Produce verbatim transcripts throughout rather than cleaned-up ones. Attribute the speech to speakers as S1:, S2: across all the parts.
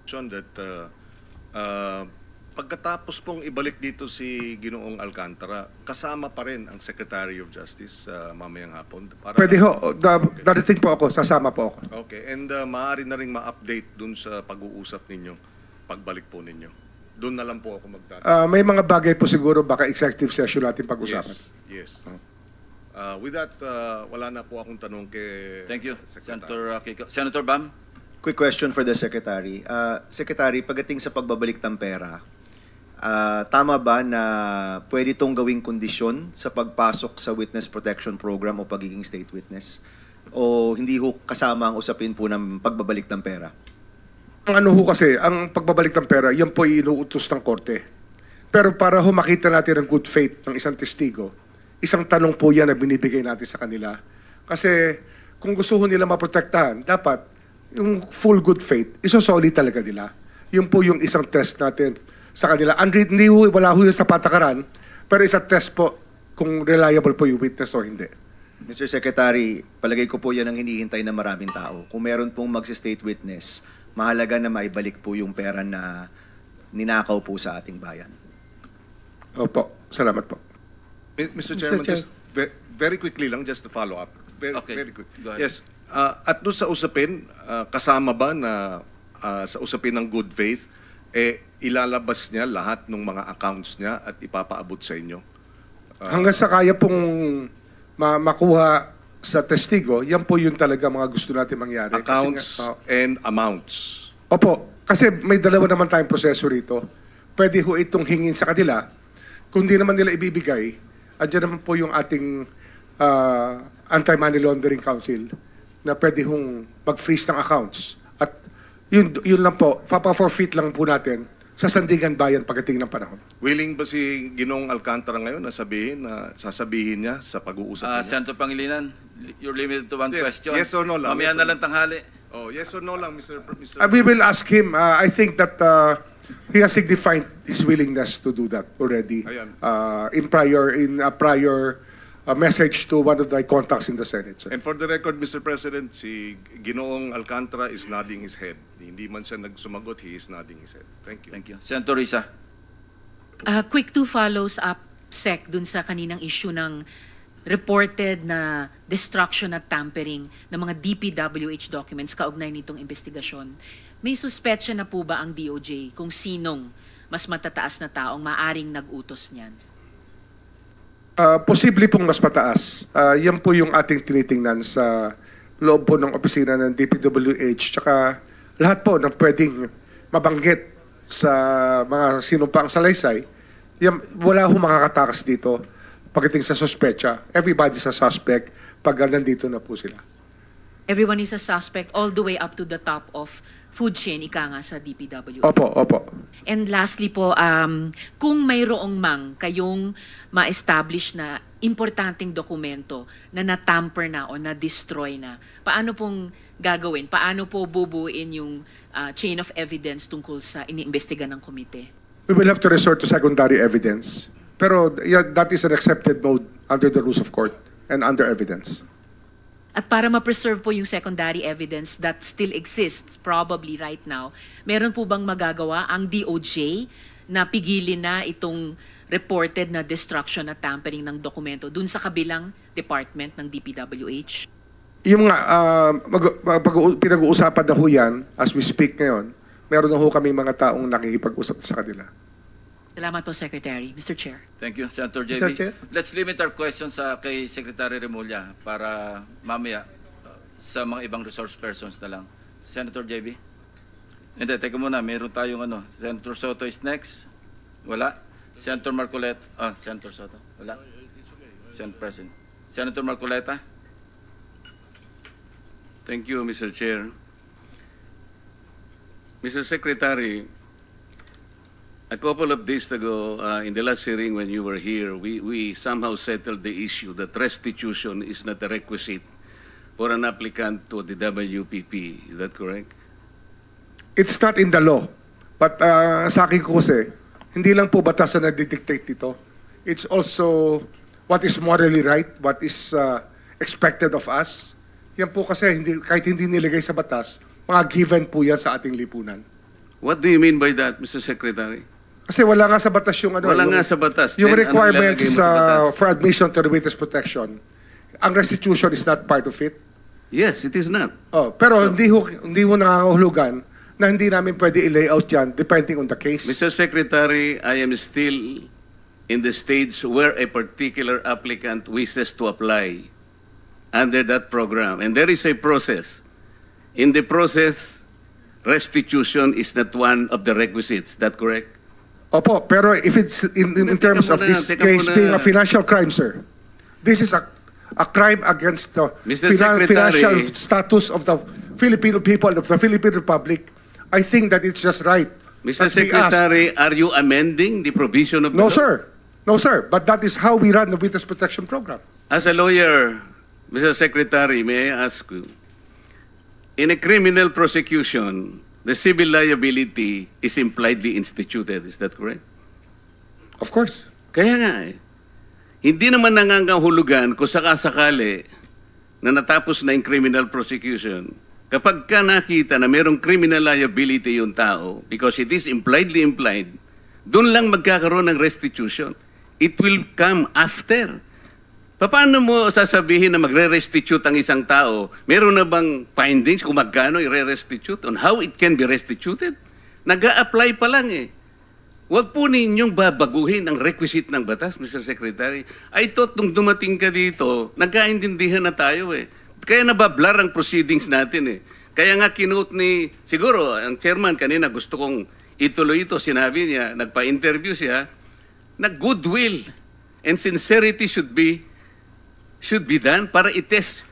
S1: that uh, uh, pagkatapos pong ibalik dito si Ginoong Alcantara, kasama pa rin ang Secretary of Justice uh, mamayang hapon. Para
S2: Pwede ho, da, darating po ako, sasama po ako.
S1: Okay, and uh, maaari na rin ma-update dun sa pag-uusap ninyo, pagbalik po ninyo. Doon na lang po ako magtatanong.
S2: Ah, may mga bagay po siguro baka executive session natin pag-usapan.
S1: Yes, yes. Uh, with that, uh, wala na po akong tanong kay
S3: Thank you,
S1: Secretary.
S3: Senator uh, Kiko. Senator Bam?
S4: Quick question for the Secretary. Uh, Secretary, pagdating sa pagbabalik ng pera, uh, tama ba na pwede itong gawing kondisyon sa pagpasok sa Witness Protection Program o pagiging state witness? O hindi ho kasama ang usapin po ng pagbabalik ng pera?
S2: Ang ano ho kasi, ang pagbabalik ng pera, yan po inuutos ng korte. Pero para ho makita natin ang good faith ng isang testigo, isang tanong po yan na binibigay natin sa kanila. Kasi kung gusto ho nila maprotektahan, dapat yung full good faith, isosolid talaga nila. Yun po yung isang test natin sa kanila. And hindi ho, wala ho yun sa patakaran, pero isang test po kung reliable po yung witness o hindi.
S4: Mister Secretary, palagay ko po yan ang hinihintay ng maraming tao. Kung meron pong mag-state witness, mahalaga na maibalik po yung pera na ninakaw po sa ating bayan.
S2: Opo, salamat po.
S1: Mister Chairman,
S2: Chair.
S1: just ve- very quickly lang, just to follow up. Very,
S3: Okay.
S1: very quick.
S3: Go ahead.
S1: Yes. Uh, at doon sa usapin, uh, kasama ba na uh, sa usapin ng good faith, eh, ilalabas niya lahat ng mga accounts niya at ipapaabot sa inyo?
S2: Hanggang sa kaya pong ma- makuha sa testigo, yan po yung talaga mga gusto natin mangyari. Kasi
S1: Accounts
S2: nga- oh.
S1: and amounts.
S2: Opo, kasi may dalawa naman tayong proseso rito. Pwede ho itong hingin sa kanila. Kung di naman nila ibibigay, andyan naman po yung ating uh, Anti-Money Laundering Council na pwede hong mag-freeze ng accounts. At yun, yun lang po, papa-forfeit lang po natin sa Sandigan Bayan pagdating ng panahon.
S1: Willing ba si Ginong Alcantara ngayon na sabihin, na sasabihin niya sa pag-uusap
S3: Uh,
S1: niya?
S3: Senator Pangilinan, you're limited to one
S1: Yes,
S3: question.
S1: yes or no lang,
S3: Mamaya
S1: yes or
S3: na
S1: no.
S3: lang tanghali.
S1: Oh, yes or no lang, Mister Pr- Mister
S2: Uh, we will ask him. Uh, I think that uh, he has signified his willingness to do that already
S1: Ayan.
S2: uh, in prior in a prior uh, message to one of the contacts in the Senate. sir.
S1: And for the record, Mister President, si Ginoong Alcantara is nodding his head. Hindi man siya nagsumagot, he is nodding his head. Thank you.
S3: Thank you. Senator Risa?
S5: Uh, quick two follows up, Sec, dun sa kaninang issue ng reported na destruction at tampering ng mga D P W H documents kaugnay nitong investigasyon. May suspetsya na po ba ang D O J kung sinong mas matataas na taong maaring nag-utos niyan?
S2: Uh, posible pong mas mataas. Uh, yan po yung ating tinitingnan sa loob po ng opisina ng D P W H tsaka lahat po ng pwedeng mabanggit sa mga sinumpang salaysay. Yan, wala ho makakatakas dito pagdating sa suspetsa. Everybody's a suspect pag nandito na po sila.
S5: Everyone is a suspect all the way up to the top of food chain, ika nga sa D P W H.
S2: Opo, opo.
S5: And lastly po, um, kung mayroong mang kayong ma-establish na importanteng dokumento na natamper na o na-destroy na, paano pong gagawin? Paano po bubuin yung uh, chain of evidence tungkol sa iniimbestiga ng komite?
S2: We will have to resort to secondary evidence. Pero yeah, that is an accepted mode under the rules of court and under evidence.
S5: At para ma-preserve po yung secondary evidence that still exists probably right now, meron po bang magagawa ang D O J na pigilin na itong reported na destruction at tampering ng dokumento dun sa kabilang department ng D P W H?
S2: Yung mga uh, mag- mag- pag- pinag-uusapan na ho yan, as we speak ngayon, meron na ho kami mga taong nakikipag-usap sa kanila.
S5: Salamat po, Secretary. Mister Chair.
S3: Thank you, Senator J B.
S2: Mister Chair?
S3: Let's limit our questions sa kay Secretary Remulla para mamaya uh, sa mga ibang resource persons na lang. Senator J B? Hindi, teka muna. Meron tayong ano. Senator Soto is next. Wala. Senator Marcoleta. Ah, Senator Soto. Wala. Senator President. Senator Marcoleta?
S6: Thank you, Mister Chair. Mister Secretary, a couple of days ago, uh, in the last hearing when you were here, we, we somehow settled the issue that restitution is not a requisite for an applicant to the W P P. Is that correct?
S2: It's not in the law. But uh, sa akin ko kasi, hindi lang po batas na nagdidictate dito. It's also what is morally right, what is uh, expected of us. Yan po kasi, hindi, kahit hindi nilagay sa batas, mga given po yan sa ating lipunan.
S6: What do you mean by that, Mister Secretary?
S2: Kasi wala nga sa batas yung ano.
S6: Wala
S2: yung,
S6: nga sa batas.
S2: Yung
S6: Then, ano
S2: requirements
S6: ilalagay mo sa
S2: uh,
S6: batas?
S2: for admission to the witness protection. Ang restitution is not part of it.
S6: Yes, it is not.
S2: Oh, pero hindi ho, hindi mo nangangahulugan na hindi namin pwede i-layout yan depending on the case.
S6: Mister Secretary, I am still in the stage where a particular applicant wishes to apply under that program. And there is a process. In the process, restitution is not one of the requisites. Is that correct?
S2: Opo, pero if it's in, in, in
S6: Teka
S2: terms of
S6: muna,
S2: this
S6: teka
S2: case
S6: muna.
S2: being a financial crime, sir, this is a a crime against the
S6: Mister Secretary.
S2: financial status of the Filipino people, of the Philippine Republic. I think that it's just right.
S6: Mister
S2: that we ask-
S6: Secretary, are you amending the provision of the
S2: No,
S6: law?
S2: sir. No, sir. But that is how we run the witness protection program.
S6: As a lawyer, Mister Secretary, may I ask you, in a criminal prosecution, the civil liability is impliedly instituted. Is that correct?
S2: Of course.
S6: Kaya nga eh. Hindi naman nangangahulugan kung sakasakali na natapos na yung criminal prosecution. Kapag ka nakita na mayroong criminal liability yung tao, because it is impliedly implied, doon lang magkakaroon ng restitution. It will come after. Paano mo sasabihin na magre-restitute ang isang tao? Meron na bang findings kung magkano i-restitute on how it can be restituted? Nag-a-apply pa lang eh. Huwag po ninyong babaguhin ang requisite ng batas, Mister Secretary. I thought nung dumating ka dito, nagkaintindihan na tayo eh. Kaya nabablar ang proceedings natin eh. Kaya nga kinote ni, siguro, ang chairman kanina gusto kong ituloy ito, sinabi niya, nagpa-interview siya, na goodwill and sincerity should be should be done para i-test.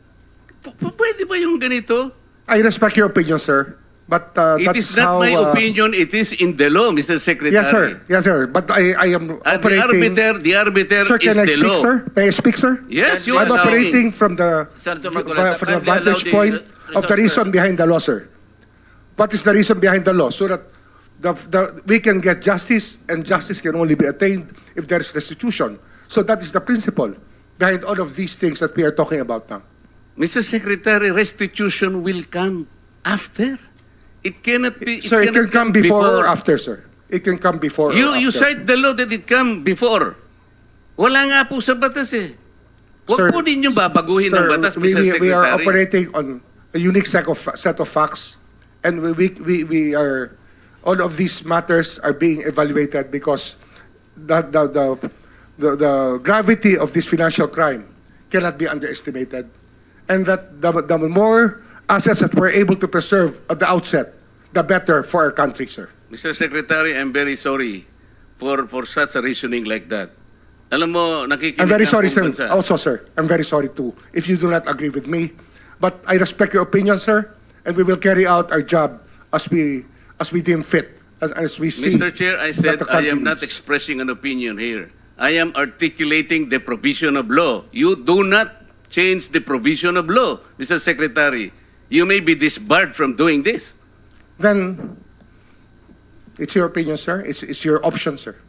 S6: P- p- Pwede ba yung ganito?
S2: I respect your opinion, sir. But uh,
S6: It
S2: that's
S6: is not
S2: how...
S6: my
S2: uh,
S6: opinion, it is in the law, Mister Secretary.
S2: Yes, sir. Yes, sir. But I, I am
S6: At the
S2: operating...
S6: arbiter, the arbiter
S2: Sir,
S6: is
S2: can I
S6: the
S2: speak,
S6: law.
S2: sir? May I speak, sir?
S6: Yes, you
S2: I'm
S6: are
S2: operating from the,
S3: Senator
S2: from,
S3: Marcoleta,
S2: from the
S3: kindly allow
S2: vantage
S3: the
S2: point
S3: re-
S2: of the
S3: resource
S2: reason
S3: person.
S2: behind the law, sir. What is the reason behind the law? So that the, the, we can get justice, and justice can only be attained if there is restitution. So that is the principle behind all of these things that we are talking about now.
S6: Mister Secretary, restitution will come after. It cannot be.
S2: Sir, it can
S6: cannot
S2: come before or after, sir. It can come before
S6: You
S2: or
S6: you
S2: after.
S6: cite the law that it come before. Wala nga po sa batas eh. Huwag
S2: Sir,
S6: po ninyong babaguhin
S2: Sir,
S6: ang batas,
S2: we,
S6: Mister
S2: we,
S6: Secretary.
S2: we are operating on a unique set of, set of facts, and we, we, we, we are, all of these matters are being evaluated because the, the, the, the, the gravity of this financial crime cannot be underestimated. And that the, the more assets that we're able to preserve at the outset, the better for our country, sir.
S6: Mister Secretary, I'm very sorry for for such a reasoning like that. Alam mo, nakikinig
S2: I'm very
S6: ang
S2: sorry,
S6: buong
S2: sir.
S6: bansa.
S2: Also, sir, I'm very sorry too if you do not agree with me. But I respect your opinion, sir, and we will carry out our job as we as we deem fit, as, as we see.
S6: Mister Chair, I
S2: that
S6: said
S2: the
S6: I
S2: country
S6: am not
S2: needs.
S6: expressing an opinion here. I am articulating the provision of law. You do not change the provision of law, Mister Secretary. You may be disbarred from doing this.
S2: Then it's your opinion, sir. It's it's your option, sir.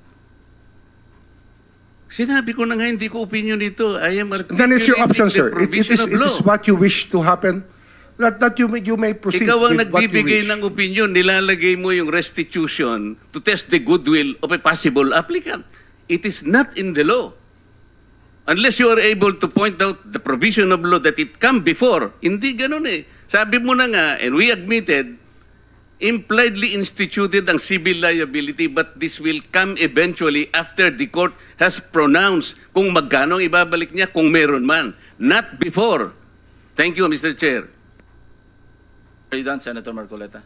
S6: Sinabi ko na nga hindi ko opinion dito. I am articulating
S2: Then it's your option,
S6: the
S2: sir. It, it
S6: provision
S2: is
S6: of
S2: it
S6: law.
S2: is what you wish to happen. That that you may you may proceed
S6: Ikaw ang
S2: with what you
S6: nagbibigay
S2: wish.
S6: ng opinion, nilalagay mo yung restitution to test the goodwill of a possible applicant. It is not in the law. Unless you are able to point out the provision of law that it come before. Hindi ganun eh. Sabi mo na nga, and we admitted, impliedly instituted ang civil liability, but this will come eventually after the court has pronounced kung magkano ang ibabalik niya, kung meron man. Not before. Thank you, Mister Chair.
S3: Are you done, Senator Marcoleta?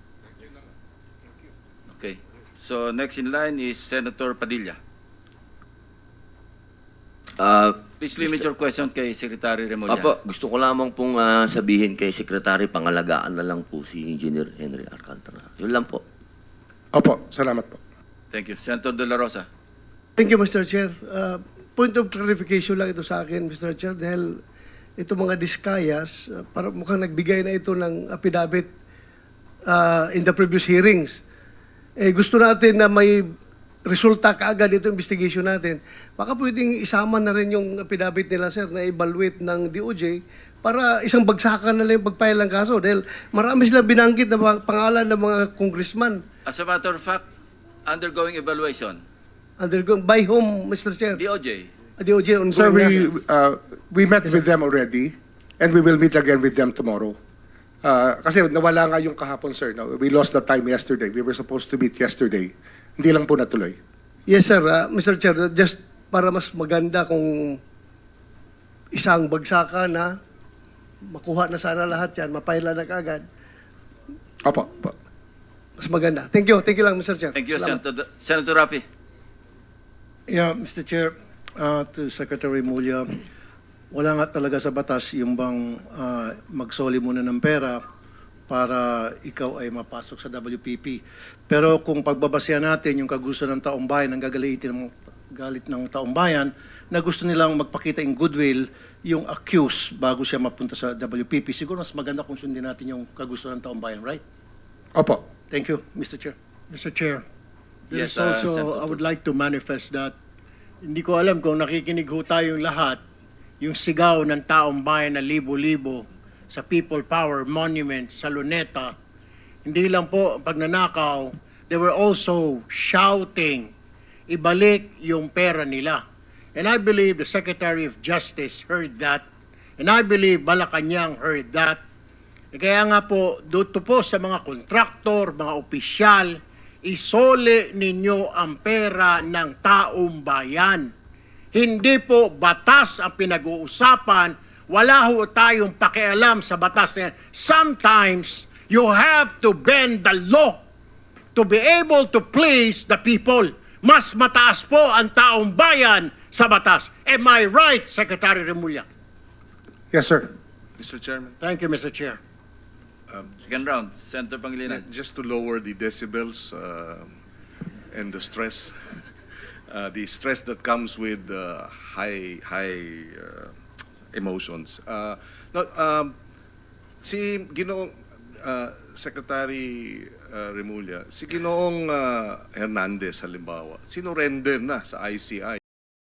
S3: Okay. So next in line is Senator Padilla.
S7: Ah,
S3: Please limit your question kay Secretary Remulla.
S7: Apo, gusto ko lamang pong ah, sabihin kay Secretary, pangalagaan na lang po si Engineer Henry Alcantara. Yun lang po.
S2: Opo, salamat po.
S3: Thank you. Senator De La Rosa.
S8: Thank you, Mister Chair. Uh, point of clarification lang ito sa akin, Mister Chair, dahil ito mga diskayas, uh, para mukhang nagbigay na ito ng affidavit uh, in the previous hearings. Eh, gusto natin na may resulta kaagad ito investigation natin. Baka pwedeng isama na rin yung affidavit nila, sir, na evaluate ng D O J para isang bagsakan na lang yung pagpile ng kaso dahil marami silang binanggit na mga pangalan ng mga congressman.
S3: As a matter of fact, undergoing evaluation,
S8: Undergo by whom, Mister Chair?
S3: D O J.
S8: D O J ongoing
S2: Sir, we,
S8: na.
S2: uh, we met with them already and we will meet again with them tomorrow. Uh, kasi nawala nga yung kahapon, sir. No? We lost the time yesterday. We were supposed to meet yesterday. Hindi lang po natuloy.
S8: Yes, sir. Uh, Mister Chair, just para mas maganda kung isang bagsakan na makuha na sana lahat yan, mapaila na kaagad,
S2: Opo. Opo.
S8: mas maganda. Thank you. Thank you lang, Mister Chair.
S3: Thank you,
S8: Salamat.
S3: Senator, Senator Rapi.
S9: Yeah, Mister Chair, uh, to Secretary Mulya, wala nga talaga sa batas yung bang uh, magsoli muna ng pera para ikaw ay mapasok sa W P P. Pero kung pagbabasehan natin yung kagusto ng taong bayan, ang gagalitin ng galit ng taong bayan, na gusto nilang magpakita in goodwill yung accused bago siya mapunta sa W P P, siguro mas maganda kung sundin natin yung kagusto ng taong bayan, right?
S2: Opo.
S9: Thank you, Mister Chair.
S10: Mister Chair, there
S3: Yes,
S10: is
S3: uh,
S10: also,
S3: Senator
S10: I would like to manifest that hindi ko alam kung nakikinig ho tayong lahat, yung sigaw ng taong bayan na libo-libo sa People Power Monument sa Luneta, hindi lang po ang pagnanakaw, they were also shouting, ibalik yung pera nila. And I believe the Secretary of Justice heard that, and I believe Malacanang heard that. E kaya nga po, dito po sa mga kontraktor, mga opisyal, isole ninyo ang pera ng taong bayan. Hindi po batas ang pinag-uusapan. Wala ho tayong pakialam sa batas na yan. Sometimes, you have to bend the law to be able to please the people. Mas mataas po ang taong bayan sa batas. Am I right, Secretary Remulla?
S2: Yes, sir.
S1: Mister Chairman,
S10: Thank you, Mister Chair.
S3: Second round, Senator Pangilinan.
S1: just to lower the decibels uh, and the stress, uh, the stress that comes with uh, high high uh, emotions. Uh, no, um, si Ginoong uh, Secretary uh, Remulla, si Ginoong uh, Hernandez halimbawa, sinurrender na sa I C I